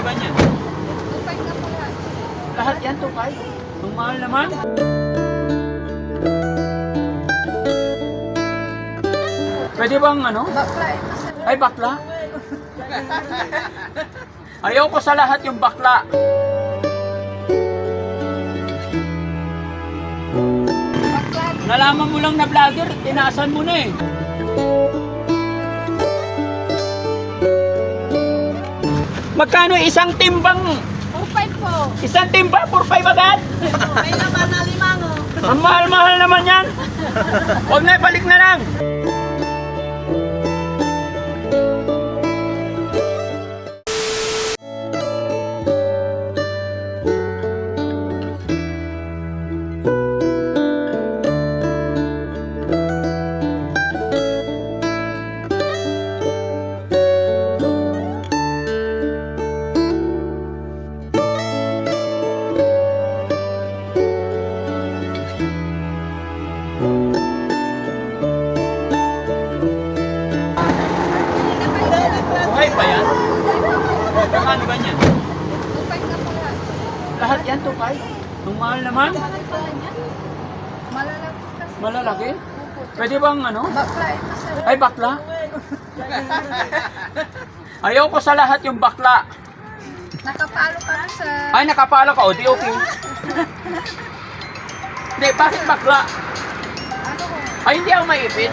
ba niyan? Tupay na po yan. Lahat yan, tukay. Ang mahal naman. Pwede bang ano? Bakla eh. Masarap. Ay, bakla? Ayaw ko sa lahat yung bakla. Bakla. Nalaman mo lang na vlogger, tinaasan mo na eh. Magkano isang timbang? Tupay po. Isang timba, 4-5 agad? May naman na limango. Ang mahal-mahal naman yan. Huwag na, balik na lang. Buhay pa yan? Magkano ba yan? Tupay na po yan. Lahat yan, tukay. Ang mahal naman. Malalaki kasi. Malalaki? Opo. Pwede bang ano? Bakla eh. Masarap. Ay, bakla? Ayaw ko sa lahat yung bakla. Nakapalo ka na sa... Ay, nakapalo ka. O, di okay. Hindi, bakit bakla? Ano ko? Ay, hindi ako maipit.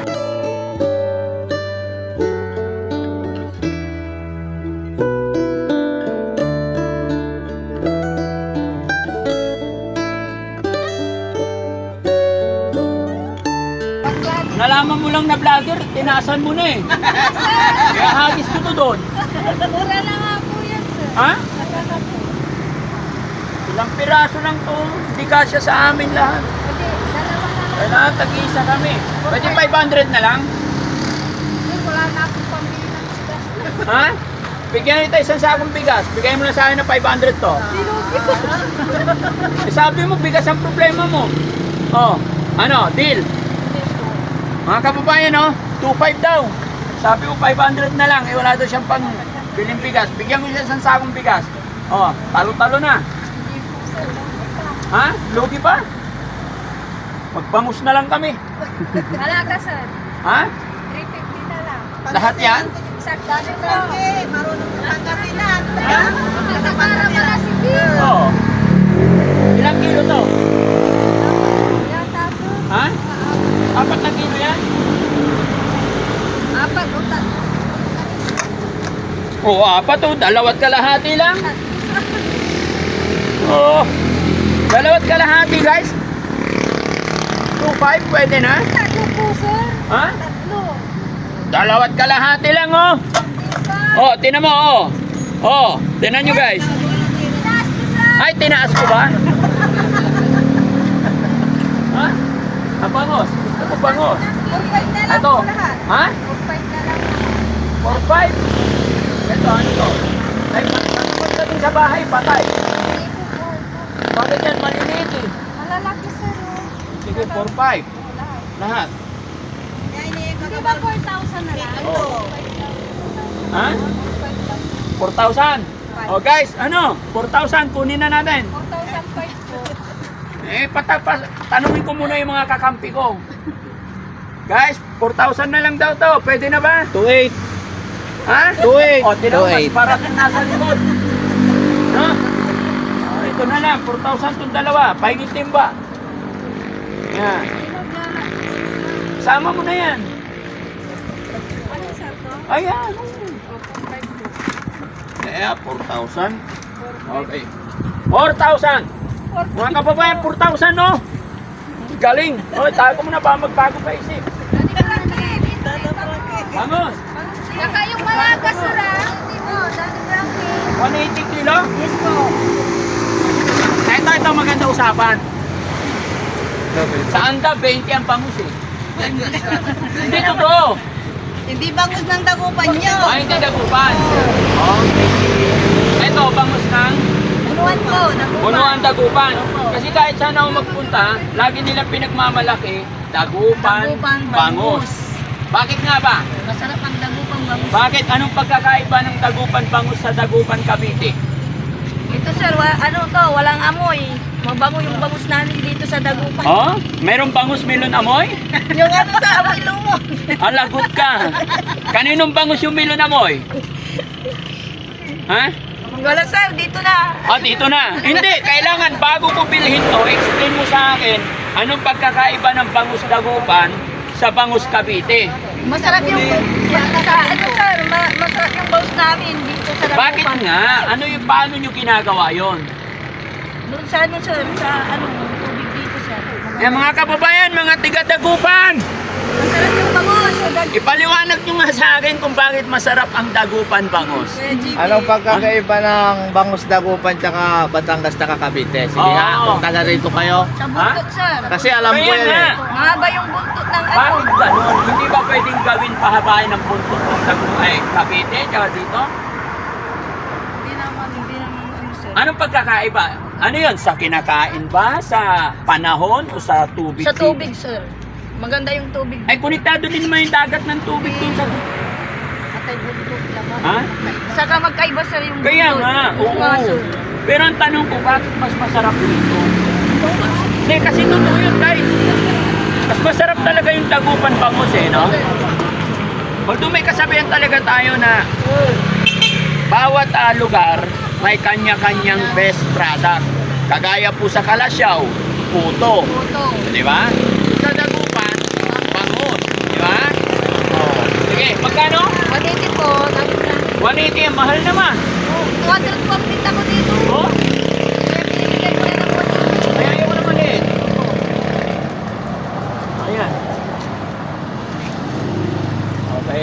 Bakla. Nalaman mo lang na vlogger, tinaasan mo na eh. Kaya hagis ko to doon. Mura na nga po yan, sir. Ha? Mura po. Ilang piraso lang to. Hindi kasya sa amin lahat. Pwede, dalawa na lang. Kailangan tag-isa kami. Pwede 500 na lang? Sir, wala na akong pambili ng isda. Ha? Bigyan kita isang sakong bigas. Bigay mo na sa akin ng 500 to. Sinugi ko. Eh, sabi mo, bigas ang problema mo. Oh, ano, deal. Mga kababayan, oh, 2.5 daw. Sabi ko 500 na lang, eh wala daw siyang pang biling bigas. Bigyan mo siya isang sakong bigas. Oh, talo-talo na. Hindi po, sir. Ha? Lugi pa? Magbangus na lang kami. Alaga, sir. Ha? 350 na lang. Lahat yan? Sakto na po. Marunong sa Pangasinan. Ha? Nakapara pala si Bill. Oo. Ilang kilo to? Yata, sir. Ha? 4 na kilo yan? Apat o tatlo. Oo, 4 to. 2 kalahati lang. Oo. 2 kalahati, guys. 2.5 pwede na? Tatlo po, sir. Ha? Tatlo. 2 kalahati lang, oh. Isa. Oh, tinan mo, oh. Oh, tinan nyo, guys. Taas ko, sir. Ay, tinaas ko ba? Ha? Ang bangos. Gusto ko bangos. 4-5 na lang Ito. po lahat. Ha? 4-5 na lang. 4.5. Ito, ano to? Ay, matapos na din sa bahay, patay. Hindi po, 4. Bakit yan? Maliliit eh. Malalaki, sir. Oh. Sige, 4.5. Lahat. Lahat. Hindi ba 4,000 na lang? Oo. 4,000. Ha? 4,000. 4,000. Oh guys, ano? 4,000, kunin na natin. 4,005 po. Eh, tanungin ko muna yung mga kakampi ko. Guys, 4,000 na lang daw to. Pwede na ba? 2.8. Ha? 2.8. O, tinawas 2.8. para nasa likod. No? O, ito na lang. 4,000 itong dalawa. Pahingit timba. Yan. Sama mo na yan. Ano, sir, to? Ayan. 4,500 po. Eh, 4,000. Okay. 4,000. Mga kababayan, 4,000 no? Galing. O, tago mo na ba magbago pa isip. Dati Frankie. Vamos. Saka yung malaga, sir, ah. Hindi mo, Dati Frankie. 180 kilo. Yes po. Ito maganda usapan. Sa anda, 20 ang bangus eh. Hindi totoo. Hindi bangus ng dagupan nyo. Ay, hindi dagupan. Okay. Ito, bangus ng Punuan po, dagupan. punuan dagupan. Kasi kahit saan ako magpunta, lagi nilang pinagmamalaki, dagupan, Dagupan, bangus. Bakit nga ba? Masarap ang dagupang bangus. Bakit? Anong pagkakaiba ng dagupan bangus sa dagupan Cavite? Ito sir, ano to, walang amoy. Mabango yung bangus namin dito sa Dagupan. Oh? Merong bangus melon amoy? Yung ano sa amoy lumon. Alagot ka. Kaninong bangus yung melon amoy? Ha? Wala sir, dito na. Ah, dito na. Hindi, kailangan bago ko bilhin to, explain mo sa akin anong pagkakaiba ng bangus Dagupan sa bangus Cavite. Masarap yung ano sir, masarap yung bangus namin dito sa Dagupan. Bakit nga? Ano yung paano nyo ginagawa yon? Doon sa ano sir, sa ano, tubig dito sir. Eh mga kababayan, mga tiga Dagupan, Masarap yung bangus. ipaliwanag nyo nga sa akin kung bakit masarap ang Dagupan bangus. Anong pagkakaiba ng Bangus Dagupan tsaka Batangas tsaka Cavite? Sige Oo. nga, kung taga rito kayo. Sa buntot sir. Kasi alam ko Kaya yan nga. eh. Mahaba yung buntot ng ano. Bakit ganun? Hindi ba pwedeng gawin pahabain ng buntot ng Dagupan? Cavite, tsaka dito? Hindi naman ano sir. Anong pagkakaiba? Ano yon? Sa kinakain ba? Sa panahon o sa tubig? Sa tubig sir. Maganda yung tubig. Ay, konektado din naman yung dagat ng tubig dun sa... Atay buntot naman. Ha? Saka magkaiba sir yung buntot. Kaya nga, oo. Nga, sir. Pero ang tanong ko, bakit mas masarap dito? Hindi, kasi totoo yun, guys. Mas masarap talaga yung Dagupan bangus eh, no? Although may kasabihan talaga tayo na bawat lugar may kanya-kanyang best product. Kagaya po sa Kalasyaw, puto. Puto. Di ba? Sa Dagupan, bangus. Di ba? Oh. Sige, magkano? 180 po. 180, ang mahal naman. 200 po ang pinta ko dito. Oh? Kaya binibigyan ko na ng 180. Kaya ayaw ko naman eh. Ayan. Okay.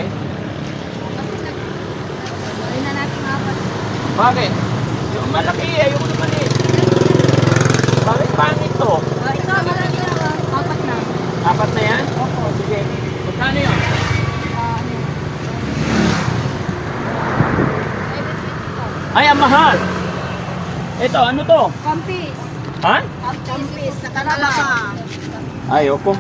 Ay na natin apat. Bakit? Yung malaki, ayaw ko naman eh. Bakit pangit to? Ito, malaki na. Apat na. Apat na yan? Opo. Sige. Magkano yun? Ano? Ay, ang mahal. Ito, ano to? Kampis. Ha? Kampis. Nakalaka. Ayoko.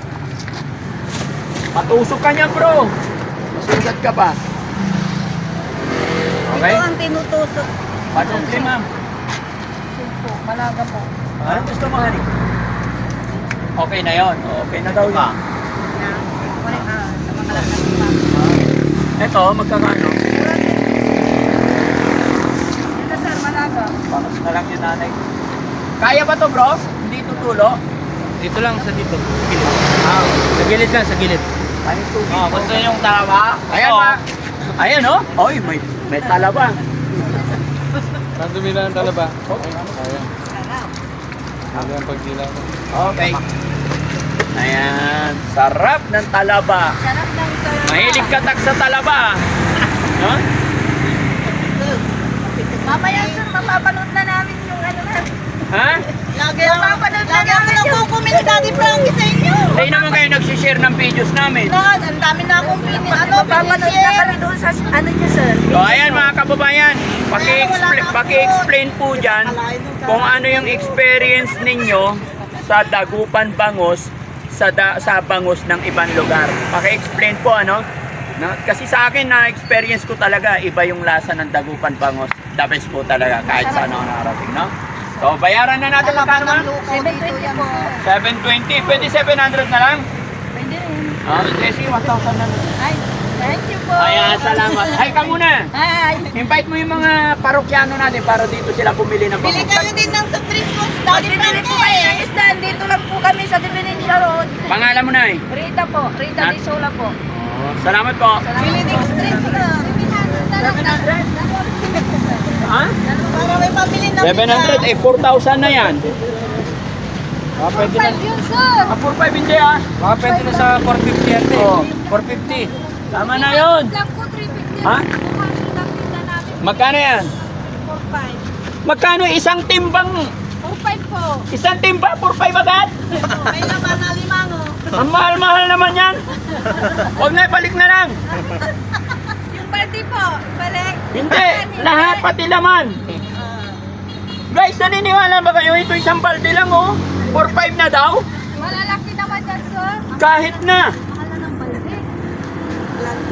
Patusok ka niya, bro. Masugat ka pa. Okay? Ito ang tinutusok. Patusok ma'am. Sulpo. Malaga po. Anong gusto mo, honey? Okay na yon. Okay na daw yun. Sa mga lakas pa. Ito, magkakano? Ito sir, malaga. Panos na lang yung nanay. Kaya ba to, bro? Hindi tutulo? Dito lang sa dito. Sa gilid lang, sa gilid. Paning tubig. Gusto niyo yung talaba? Ayan, ma. Ayan, oh. Oy, may talaba. Nandumi lang ang talaba. Ayan. Ano yung pagdila mo? Okay. Ayan. Sarap ng talaba. Sarap ng talaba. Mahilig ka tak sa talaba. No? Mamaya sir, mapapanood na namin yung ano na. Ha? Lagi ako nagko-comment Daddy Frankie sa inyo. Hindi naman kayo nagsishare ng videos namin. Ang dami na akong mapapanood na kami doon sa ano niya sir. So ayan mga kababayan, paki-explain po dyan kung ano yung experience ninyo sa Dagupan bangus sa bangus ng ibang lugar. Paki-explain po ano. Kasi sa akin na experience ko talaga iba yung lasa ng Dagupan bangus. The best po talaga kahit saan ako nakarating, no? So bayaran na natin magkano ma? 720 po. 720, pwede 700 na lang? Pwede rin. Ah, Jesse, 1,000 na lang. Ay, thank you po. Ayan, salamat. Hi ka muna. Hi. Invite mo yung mga parokyano natin para dito sila bumili ng Bili bangus. kayo din ng sutris ko. Daddy Frankie po kayo ng isda. Dito lang po kami sa Divinencia Road. Pangalan mo na eh. Rita po. Rita Ha? Di Sola po. Salamat po. Bili din sutris ko. 700. Ha? Para may pabili ng 700, eh 4,000 na yan. Pwede na. yun sir. 4,500 hindi ah. Pwede na sa 450 ate. Oo. 450. Tama na yun. Lang po 350. Ha? Lang namin. Magkano yan? 4.5. Magkano isang timbang? 4.5 po. Isang timba, 4,500 agad? May laman na limango. Ang mahal-mahal naman yan. Huwag na, balik na lang. Yung party po. Balik. Hindi, lahat pati laman. Guys, naniniwala ba kayo? Ito isang balde lang oh. 4,500 na daw? Malalaki naman yan sir. Kahit na. Mahal na ng balde.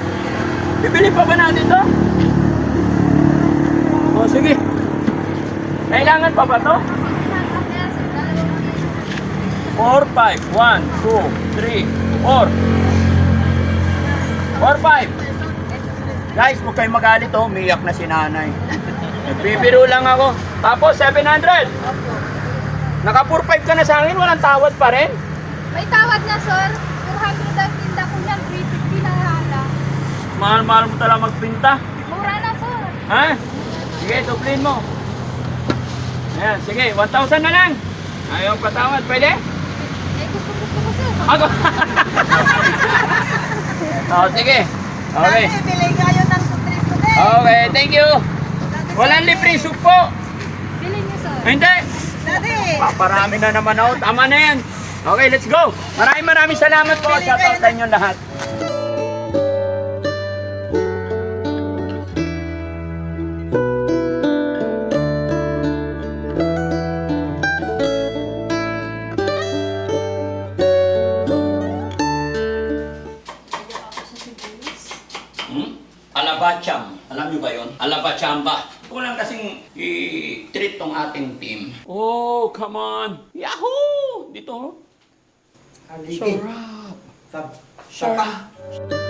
Bibili pa ba natin to? O sige. Kailangan pa ba to? 4, 5. 1, 2, 3, 4. 4, 5. Guys, huwag kayong magalit oh. Umiyak na si nanay. Nagbibiro lang ako. Tapos, 700. Naka 4-5 ka na sa akin, walang tawad pa rin. May tawad na, sir. 400 ang tinda ko yan. 350 na hala. Mahal-mahal mo talaga magpinta. Mura na, sir. Ha? Sige, duplin mo. Ayan, sige, 1,000 na lang. Ayaw patawad, pwede? Eh, gusto ko, sir. Ako. Oh, sige. Okay. Dati, bilay kayo ng sutris ko din. Okay, thank you. Walang libre supo. Bilhin niyo, sir. Hindi. Dati, Paparami na naman ako. Tama na yan. Okay, let's go. Maraming salamat po. Shoutout sa inyo lahat. Alabacham. Alam niyo ba yon? Alabachamba. Kulang kasing i-treat tong ating team. Oh, come on. Yahoo! Dito. Sarap. Saka.